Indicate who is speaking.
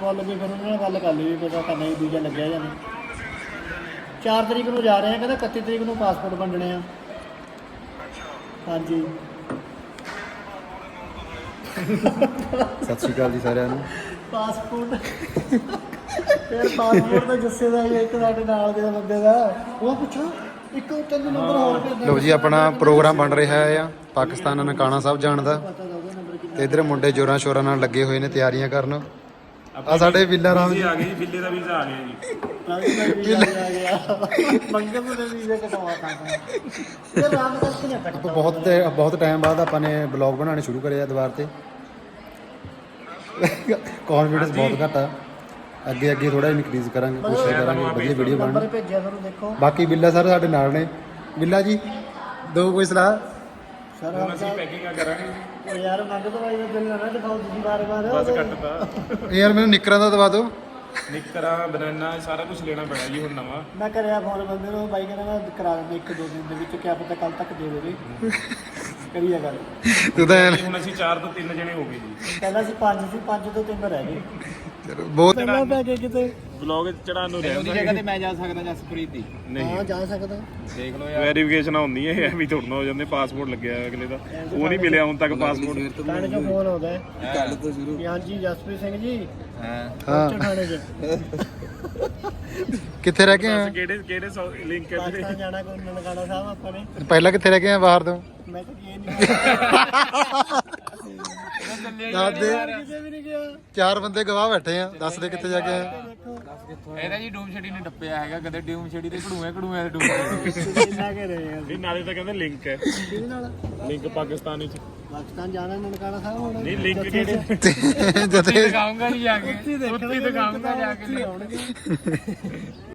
Speaker 1: Passport ਲੱਗੇ ਫਿਰ ਉਹਨਾਂ ਨਾਲ ਗੱਲ ਕਰ ਲਈ ਵੀ ਪਤਾ ਕਰਨਾ ਹੀ ਵੀਜ਼ਾ ਲੱਗਿਆ ਜਾਂ ਨਹੀਂ। 4 ਤਰੀਕ ਨੂੰ ਜਾ ਰਹੇ ਆ, ਕਹਿੰਦਾ 31 ਤਰੀਕ ਨੂੰ ਪਾਸਪੋਰਟ ਵੰਡਣੇ ਆ। ਹਾਂਜੀ
Speaker 2: ਸਤਿ ਸ਼੍ਰੀ ਅਕਾਲ ਜੀ ਸਾਰਿਆਂ ਨੂੰ।
Speaker 1: ਪਾਸਪੋਰਟ ਫਿਰ ਪਾਸਪੋਰਟ ਦਾ ਜੱਸੇ ਦਾ ਇੱਕ ਸਾਡੇ ਨਾਲ ਦੇ ਬੰਦੇ ਦਾ ਉਹ ਪੁੱਛੋ ਇੱਕ 3 ਨੰਬਰ ਹੋਰ ਭੇਜ
Speaker 2: ਲਓ ਜੀ ਆਪਣਾ ਪ੍ਰੋਗਰਾਮ ਬਣ ਰਿਹਾ ਆ ਪਾਕਿਸਤਾਨ ਨਨਕਾਣਾ ਸਾਹਿਬ ਜਾਣ ਦਾ, ਤੇ ਇਧਰ ਮੁੰਡੇ ਜੋਰਾਂ ਸ਼ੋਰਾਂ ਨਾਲ ਲੱਗੇ ਹੋਏ ਨੇ ਤਿਆਰੀਆਂ ਕਰਨ। ਆ ਸਾਡੇ ਬਿੱਲਾ ਰਾਮ ਜੀ
Speaker 3: ਆ ਗਏ ਜੀ, ਬਿੱਲੇ ਦਾ ਵੀਜ਼ਾ ਆ ਗਿਆ ਜੀ।
Speaker 1: ਆ ਗਿਆ ਮੰਗਲ ਨੂੰ ਵੀਜ਼ਾ ਕਟਵਾ ਤਾ ਇਹ ਰਾਮ ਦਾ ਕਿਹਨੇ ਕੱਟਦਾ
Speaker 2: ਬਹੁਤ ਟਾਈਮ ਬਾਅਦ ਆਪਾਂ ਨੇ ਬਲੌਗ ਬਣਾਉਣੇ ਸ਼ੁਰੂ ਕਰੇ ਆ ਦੁਬਾਰ ਤੇ। ਕੌਨਫੀਡੈਂਸ ਬਹੁਤ ਘੱਟ ਆ, ਅੱਗੇ ਅੱਗੇ ਥੋੜਾ ਇਨਕਰੀਜ਼ ਕਰਾਂਗੇ, ਕੋਸ਼ਿਸ਼ ਕਰਾਂਗੇ ਵਧੀਆ ਵੀਡੀਓ
Speaker 1: ਨੰਬਰ
Speaker 2: ਬਣਾਉਣ।
Speaker 1: ਭੇਜਿਆ ਤੁਹਾਨੂੰ ਦੇਖੋ।
Speaker 2: ਬਾਕੀ ਬਿੱਲਾ ਸਰ ਸਾਡੇ ਨਾਲ ਨੇ। ਬਿੱਲਾ ਜੀ ਦੋ ਕੋਈ ਸਲਾਹ?
Speaker 1: ਸਰ
Speaker 3: ਹੁਣ ਅਸੀਂ ਪੈਕਿੰਗ ਕਰਾਂਗੇ
Speaker 1: ਉਹ ਯਾਰ ਮੰਗ ਤੋਂ ਬਾਈ ਦਾ ਬਿੱਲ ਨਾ ਦਿਖਾਓ ਤੁਸੀਂ ਬਾਰ-ਬਾਰ।
Speaker 3: ਬਸ ਕੱਟਤਾ।
Speaker 2: ਯਾਰ ਮੈਨੂੰ ਨਿੱਕਰਾਂ ਦਾ ਦਵਾ ਦਿਓ।
Speaker 3: ਨਿੱਕਰਾਂ ਬਨਾਨਾ ਸਾਰਾ ਕੁਝ ਲੈਣਾ ਪੈਣਾ ਜੀ ਹੁਣ ਨਵਾਂ।
Speaker 1: ਮੈਂ ਕਰਿਆ ਫੋਨ ਬੰਦੇ ਨੂੰ, ਬਾਈ ਕਹਿੰਦਾ ਮੈਂ ਕਰਾ ਦਿੰਦਾ 1-2 ਦਿਨ ਦੇ ਵਿੱਚ, ਕਿਆ ਪਤਾ ਕੱਲ ਤੱਕ ਦੇ ਦੇਵੇ। ਕਰੀਏ ਗੱਲ।
Speaker 2: ਤੂੰ ਤਾਂ
Speaker 3: ਹੁਣ ਅਸੀਂ 4 ਤੋਂ 3 ਜਣੇ ਹੋ ਗਏ ਜੀ।
Speaker 1: ਪਹਿਲਾਂ ਸੀ 5 ਸੀ, 5 ਤੋਂ 3 ਰਹਿ ਗਏ।
Speaker 2: ਬਹੁਤ
Speaker 1: ਪਹਿਲਾਂ ਪੈ ਗਏ ਕਿਤੇ।
Speaker 3: ਬਲੌਗ ਚੜਾਉਣ ਨੂੰ ਰਹਿੰਦਾ।
Speaker 4: ਉਹਦੀ ਜਗ੍ਹਾ ਤੇ ਮੈਂ ਜਾ ਸਕਦਾ ਜਸਪ੍ਰੀਤ ਦੀ।
Speaker 1: ਹਾਂ ਜਾ ਸਕਦਾ।
Speaker 4: ਦੇਖ ਲਓ ਯਾਰ,
Speaker 3: ਵੈਰੀਫਿਕੇਸ਼ਨ ਹੁੰਦੀ ਹੈ ਐ ਵੀ ਥੋੜਾ ਹੋ ਜਾਂਦੇ। ਪਾਸਪੋਰਟ ਲੱਗਿਆ ਅਗਲੇ ਦਾ, ਉਹ ਨਹੀਂ ਮਿਲਿਆ ਹੁਣ ਤੱਕ ਪਾਸਪੋਰਟ।
Speaker 1: ਥਾਣੇ ਚੋਂ ਫੋਨ ਆਉਂਦਾ ਹੈ
Speaker 4: ਕੱਲ ਤੋਂ ਸ਼ੁਰੂ।
Speaker 1: ਕਿ ਹਾਂਜੀ ਜਸਪ੍ਰੀਤ ਸਿੰਘ ਜੀ
Speaker 4: ਹਾਂ
Speaker 1: ਪਹੁੰਚੋ ਥਾਣੇ 'ਚ।
Speaker 2: ਕਿੱਥੇ ਰਹਿ ਕੇ ਆਏ?
Speaker 3: ਕਿਹੜੇ ਲਿੰਕ ਹੈ ਵੀਰੇ?
Speaker 1: ਪਾਕਿਸਤਾਨ ਜਾਣਾ ਕੋਈ ਨਨਕਾਣਾ ਸਾਹਿਬ ਆਪਾਂ ਨੇ।
Speaker 2: ਪਹਿਲਾਂ ਕਿੱਥੇ ਰਹਿ ਕੇ ਆਏ ਬਾਹਰ ਤੋਂ?
Speaker 1: ਮੈਂ ਤਾਂ ਇਹ ਨਹੀਂ
Speaker 2: ਦੱਸ ਦੇ।
Speaker 1: ਕਿਤੇ ਵੀ ਨਹੀਂ ਗਿਆ।
Speaker 2: 4 ਬੰਦੇ ਗਵਾਹ ਬੈਠੇ ਆ, ਦੱਸ ਦੇ ਕਿੱਥੇ ਜਾ ਕੇ ਆਏ?
Speaker 1: ਦੇਖੋ
Speaker 4: ਇਹਦਾ ਜੀ ਡੂਮ ਛੜੀ ਨੇ ਟੱਪਿਆ ਹੈਗਾ, ਕਦੇ ਡੂਮ ਛੜੀ ਤੇ ਘੜੂਏ ਦੇ ਡੂਮ ਛੜੀ।
Speaker 1: ਇੰਨਾ ਕੇ ਰਹੇ ਆ
Speaker 3: ਨਹੀਂ ਨਾਲੇ ਤਾਂ ਕਹਿੰਦੇ ਲਿੰਕ ਹੈ,
Speaker 1: ਕਿਹਦੇ ਨਾਲ?
Speaker 3: ਲਿੰਕ ਪਾਕਿਸਤਾਨੀ ਚ।
Speaker 1: ਪਾਕਿਸਤਾਨ ਜਾਣਾ ਨਨਕਾਣਾ ਸਾਹਿਬ ਹੁਣ।
Speaker 3: ਨਹੀਂ ਲਿੰਕ ਕਿਹੜੇ?
Speaker 2: ਜਦੇ
Speaker 4: ਦਿਖਾਉਂਗਾ ਜੀ ਜਾ ਕੇ,
Speaker 1: ਉੱਥੇ
Speaker 4: ਉੱਥੇ ਦਿਖਾਉਂਗਾ ਜਾ ਕੇ।
Speaker 1: ਆਉਣਗੇ।